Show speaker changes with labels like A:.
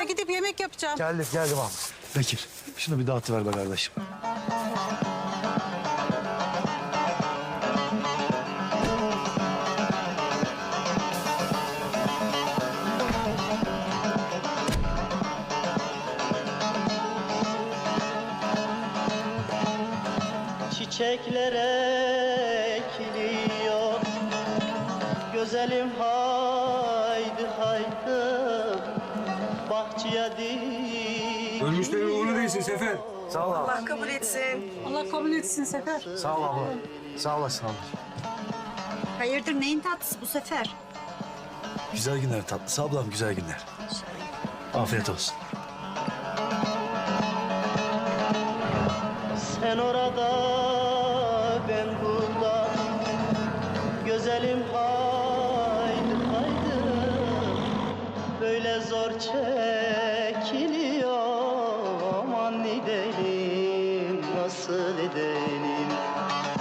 A: gidip yemek yapacağım.
B: Geldim abi. Bekir, şunu bir dağıtıver be kardeşim.
C: Çiçekler ekiliyor, güzelim haydi haydi bahçeye dik.
D: Ölmüşlerin uğurlu değilsin Sefer.
B: Sağ ol abi.
A: Allah kabul etsin. Allah kabul etsin Sefer.
B: Sağ ol abla. Sağ olasın abla.
E: Hayırdır neyin tatlısı bu sefer?
B: Güzel günler tatlısı ablam, güzel günler. Afiyet olsun.
C: Sen orada ben burada, güzelim haydi haydi böyle zor çekiliyor, aman edelim nasıl edelim.